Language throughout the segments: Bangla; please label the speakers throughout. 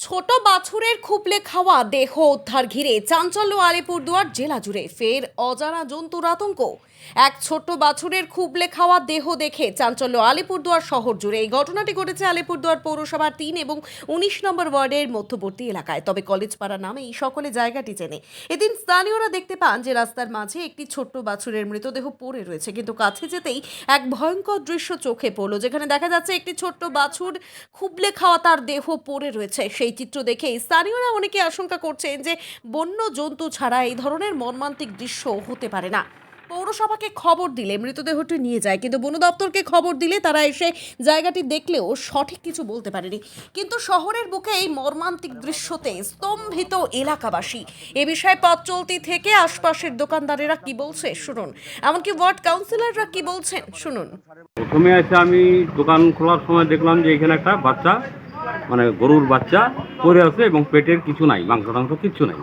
Speaker 1: ছোট বাছুরের খুপলে খাওয়া দেহ উদ্ধার ঘিরে চাঞ্চল্য আলিপুরদুয়ার জেলা জুড়ে ফের অজানা জন্তুর আতঙ্ক। এক ছোট্ট বাছুরের খুবলে খাওয়া দেহ দেখে চাঞ্চল্য আলিপুরদুয়ার শহর জুড়ে। এই ঘটনাটি ঘটেছে আলিপুরদুয়ার পৌরসভার ৩ এবং ১৯ নম্বর ওয়ার্ডের মধ্যবর্তী এলাকায়। তবে কলেজপাড়া নামেই সকলে জায়গাটি চেনে। এদিন স্থানীয়রা দেখতে পান যে রাস্তার মাঝে একটি ছোট্ট বাছুরের মৃতদেহ পড়ে রয়েছে, কিন্তু কাছে যেতেই এক ভয়ঙ্কর দৃশ্য চোখে পড়লো, যেখানে দেখা যাচ্ছে একটি ছোট্ট বাছুর খুবলে খাওয়া তার দেহ পড়ে রয়েছে। সেই চিত্র দেখে স্থানীয়রা অনেকে আশঙ্কা করছেন যে বন্য জন্তু ছাড়া এই ধরনের মর্মান্তিক দৃশ্য হতে পারে না। পৌরসভাকে খবর দিলে মৃতদেহটি নিয়ে যায়, কিন্তু বন দপ্তরকে খবর দিলে তারা এসে জায়গাটি দেখলেও সঠিক কিছু বলতে পারেনি। কিন্তু শহরের বুকে এই মর্মান্তিক দৃশ্যতে স্তম্ভিত এলাকাবাসী। এ বিষয়ে পথ চলতি থেকে আশপাশের দোকানদারেরা কি বলছে শুনুন, এমনকি ওয়ার্ড কাউন্সিলররা কি বলছেন শুনুন।
Speaker 2: প্রথমে এসে আমি দোকান খোলার সময় দেখলাম যে এখানে একটা বাচ্চা, মানে গরুর বাচ্চা পড়ে আছে এবং পেটের কিছু নাই, মাংস টাংস কিচ্ছু নাই।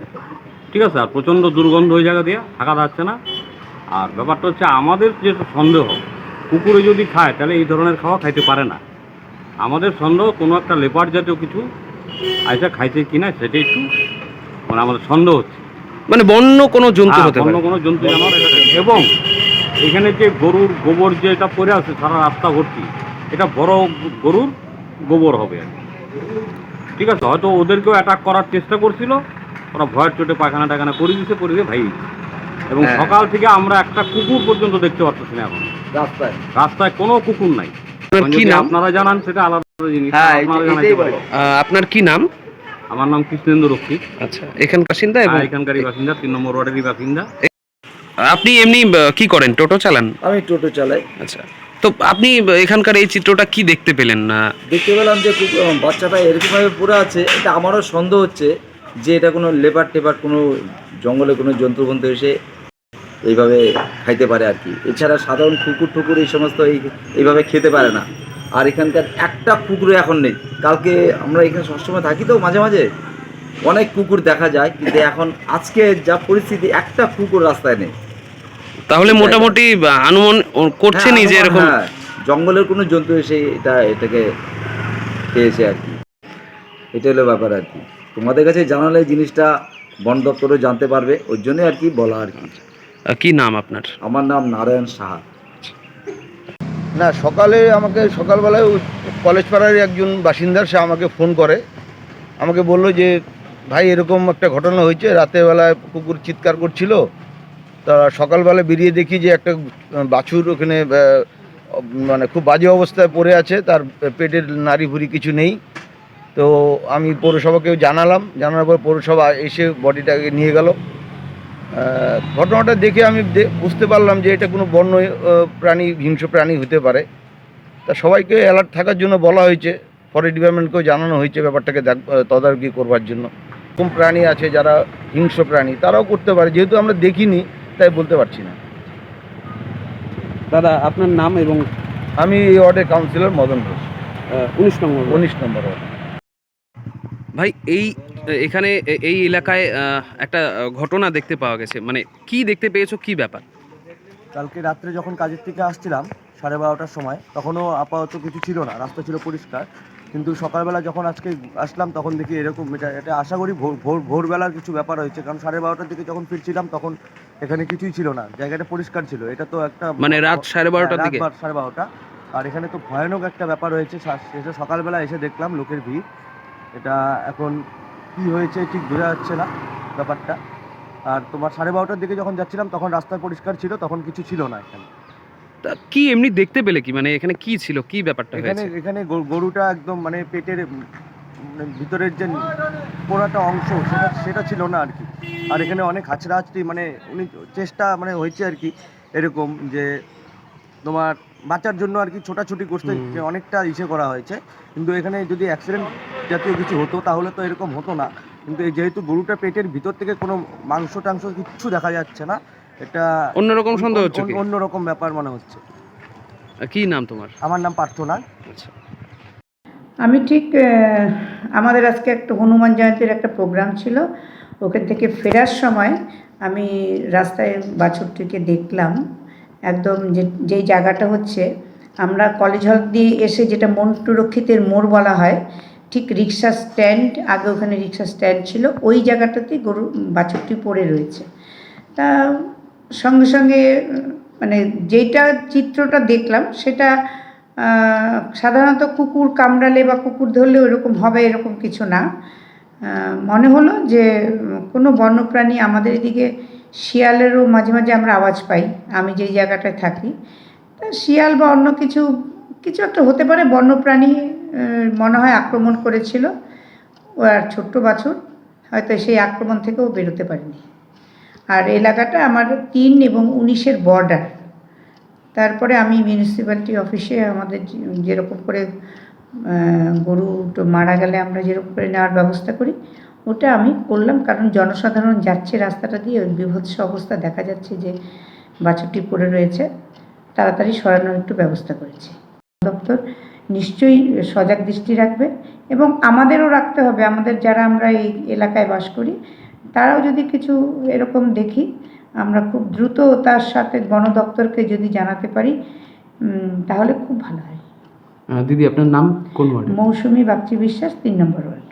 Speaker 2: ঠিক আছে, আর প্রচণ্ড দুর্গন্ধ ওই জায়গা দিয়ে থাকা যাচ্ছে না। আর ব্যাপারটা হচ্ছে আমাদের যে সন্দেহ, কুকুরে যদি খায় তাহলে এই ধরনের খাওয়া খাইতে পারে না। আমাদের সন্দেহ কোনো একটা লেপার্ড জাতীয় কিছু আইসা খাইছে কিনা সেটাই একটু মানে আমাদের সন্দেহ হচ্ছে।
Speaker 3: মানে বন্য কোনো জন্তু হতে
Speaker 2: অন্য
Speaker 3: পারে।
Speaker 2: কোনো জন্তু জানোয়ার এটা খাইছে। এবং এখানে যে গরুর গোবর যে এটা পড়ে আছে সারা রাস্তা ভর্তি, এটা বড় গরুর গোবর হবে আর কি। ঠিক আছে, হয়তো ওদেরকেও অ্যাটাক করার চেষ্টা করছিল, ওরা ভয়ের চোটে পায়খানা টাখানা করে দিয়েছে, করে দিয়ে ভাই। এবং সকাল থেকে আমরা একটা কুকুর পর্যন্ত দেখতে পাচ্ছি না এখন রাস্তায় কোনো কুকুর নাই।
Speaker 3: কি নাম?
Speaker 2: আপনারা জানান সেটা আলাদা জিনিস, আপনারা জানাইতে পারেন।
Speaker 3: আপনার কি নাম?
Speaker 2: আমার নাম কৃষ্ণেন্দু রক্ষিত।
Speaker 3: আচ্ছা, এখানকার বাসিন্দা এবং
Speaker 2: এখানকারই বাসিন্দা, ৩ নম্বর ওয়ার্ডেরই বাসিন্দা।
Speaker 3: আপনি এমনি কি করেন? টোটো চালান?
Speaker 4: আমি টোটো চালাই।
Speaker 3: আচ্ছা, তো আপনি এখানকার এই চিত্রটা কি দেখতে পেলেন?
Speaker 4: দেখতে পেলাম যে বাচ্চাটা এরকমভাবে পড়ে আছে। এটা আমারও সন্দেহ হচ্ছে যে এটা কোনো লেপার্ড টেপার্ড, কোনো জঙ্গলে কোনো জন্তু বন্ধু এসে এইভাবে খাইতে পারে আর কি। এছাড়া সাধারণ কুকুর টুকুর এই সমস্ত এইভাবে খেতে পারে না। আর এখানকার একটা কুকুরও এখন নেই। কালকে আমরা এখানে সবসময় থাকি, তো মাঝে মাঝে অনেক কুকুর দেখা যায়, কিন্তু এখন আজকে যা পরিস্থিতি, একটা কুকুর রাস্তায় নেই।
Speaker 3: তাহলে মোটামুটি অনুমান করছেনই যে এরকম
Speaker 4: জঙ্গলের কোনো জন্তু এসে এটাকে খেয়েছে আর কি। এটা হলো ব্যাপার আর কি। তোমাদের কাছে জানালে জিনিসটা বন দপ্তরও জানতে পারবে, ওই জন্যই আর কি বলা আর কি।
Speaker 3: কি নাম আপনার?
Speaker 4: আমার নাম নারায়ণ সাহা।
Speaker 5: না, সকালবেলায় কলেজ পাড়ার একজন বাসিন্দা, সে আমাকে ফোন করে, আমাকে বলল যে ভাই এরকম একটা ঘটনা হয়েছে, রাতের বেলায় কুকুর চিৎকার করছিল। তা সকালবেলা বেরিয়ে দেখি যে একটা বাছুর ওখানে মানে খুব বাজে অবস্থায় পড়ে আছে, তার পেটের নাড়ি ভুড়ি কিছু নেই। তো আমি পৌরসভাকেও জানানোর পর পৌরসভা এসে বডিটাকে নিয়ে গেল। ঘটনাটা দেখে আমি বুঝতে পারলাম যে এটা কোনো বন্য প্রাণী, হিংস্র প্রাণী হতে পারে। তা সবাইকে অ্যালার্ট থাকার জন্য বলা হয়েছে, ফরেস্ট ডিপার্টমেন্টকেও জানানো হয়েছে ব্যাপারটাকে তদারকি করবার জন্য। কোন প্রাণী আছে যারা হিংস্র প্রাণী, তারাও করতে পারে, যেহেতু আমরা দেখিনি তাই বলতে পারছি না।
Speaker 3: দাদা, আপনার নাম? এবং
Speaker 5: আমি এই ওয়ার্ডের councillor Madan Ghosh,
Speaker 3: 19 number
Speaker 5: 19 number ward.
Speaker 3: ভাই, এখানে এই এলাকায় একটা ঘটনা দেখতে পাওয়া গেছে, মানে কি দেখতে পেয়েছো, কি ব্যাপার?
Speaker 6: কালকে রাত্রে যখন কাজের থেকে আসছিলাম 12:30টার সময়, তখনও আপাতত কিছু ছিল না, রাস্তা ছিল পরিষ্কার। কিন্তু সকালবেলা যখন আজকে আসলাম তখন দেখি এরকম। এটা আশা করি ভোরবেলার কিছু ব্যাপার হয়েছে, কারণ 12:30টার দিকে যখন ফিরছিলাম তখন এখানে কিছুই ছিল না, জায়গাটা পরিষ্কার ছিল। এটা তো একটা
Speaker 3: মানে রাত 12:30টার দিকে?
Speaker 6: 12:30। আর এখানে তো ভয়ানক একটা ব্যাপার হয়েছে। সেটা সকালবেলা এসে দেখলাম লোকের ভিড়। এটা এখন কি হয়েছে ঠিক বোঝা যাচ্ছে না ব্যাপারটা। আর তোমার 12:30টার দিকে যখন যাচ্ছিলাম তখন রাস্তা পরিষ্কার ছিল, তখন কিছু ছিল না এখানে।
Speaker 3: কি এমনি দেখতে পেলে কি, মানে এখানে কি ছিল, কি ব্যাপারটা হয়েছে?
Speaker 6: এখানে গরুটা একদম মানে পেটের ভিতরের যে পোড়াটা অংশ সেটা ছিল না আর কি। আর এখানে অনেক হাঁচড়াহাঁচড়ি, মানে উনি চেষ্টা মানে হয়েছে আর কি, এরকম যে তোমার বাঁচার জন্য আর কি ছোটাছুটি করতে অনেকটা করা হয়েছে। কিন্তু এখানে যদি অ্যাক্সিডেন্ট জাতীয় কিছু হতো তাহলে তো এরকম হতো না। কিন্তু যেহেতু গরুটা পেটের ভিতর থেকে কোনো মাংস টাংস কিচ্ছু দেখা যাচ্ছে না, এটা
Speaker 3: অন্যরকম সন্দেহ হচ্ছে,
Speaker 6: অন্যরকম ব্যাপার মনে হচ্ছে।
Speaker 3: কি নাম তোমার?
Speaker 6: আমার নাম পার্থনা।
Speaker 3: আচ্ছা,
Speaker 7: আমি ঠিক আমাদের আজকে একটা হনুমান জয়ন্তীর একটা প্রোগ্রাম ছিল, ওখান থেকে ফেরার সময় আমি রাস্তায় বাছুরটিকে দেখলাম। একদম যেই জায়গাটা হচ্ছে, আমরা কলেজ হল দিয়ে এসে যেটা মন্টু রক্ষিতের মোড় বলা হয়, ঠিক রিক্সা স্ট্যান্ড, আগে ওখানে রিক্সা স্ট্যান্ড ছিল, ওই জায়গাটাতেই গরু বাছুরটি পড়ে রয়েছে। তা সঙ্গে সঙ্গে মানে যেটা চিত্রটা দেখলাম সেটা সাধারণত কুকুর কামড়ালে বা কুকুর ধরলে ওরকম হবে এরকম কিছু না। মনে হলো যে কোনো বন্যপ্রাণী, আমাদের এদিকে শিয়ালেরও মাঝে মাঝে আমরা আওয়াজ পাই, আমি যেই জায়গাটায় থাকি। তা শিয়াল বা অন্য কিছু কিছু একটা হতে পারে, বন্যপ্রাণী মনে হয় আক্রমণ করেছিল। ও আর ছোট্ট বাছুর, হয়তো সেই আক্রমণ থেকেও বেরোতে পারেনি। আর এলাকাটা আমার 3 এবং 19-এর বর্ডার। তারপরে আমি মিউনিসিপ্যালিটি অফিসে আমাদের যেরকম করে গরুটা মারা গেলে আমরা যেরকম করে নেওয়ার ব্যবস্থা করি, ওটা আমি করলাম, কারণ জনসাধারণ যাচ্ছে রাস্তাটা দিয়ে, ওই বীভৎস অবস্থা দেখা যাচ্ছে যে বাছুরটি পড়ে রয়েছে, তাড়াতাড়ি সরানোর একটু ব্যবস্থা করেছি। দপ্তর নিশ্চয়ই সজাগ দৃষ্টি রাখবে এবং আমাদেরও রাখতে হবে, আমাদের যারা আমরা এই এলাকায় বাস করি তারাও যদি কিছু এরকম দেখি, আমরা খুব দ্রুত তার সাথে বন দপ্তরকে যদি জানাতে পারি তাহলে খুব ভালো হয়।
Speaker 3: দিদি আপনার নাম কোন ওয়ার্ড?
Speaker 7: মৌসুমী বাগচি বিশ্বাস, 3 নম্বর ওয়ার্ড।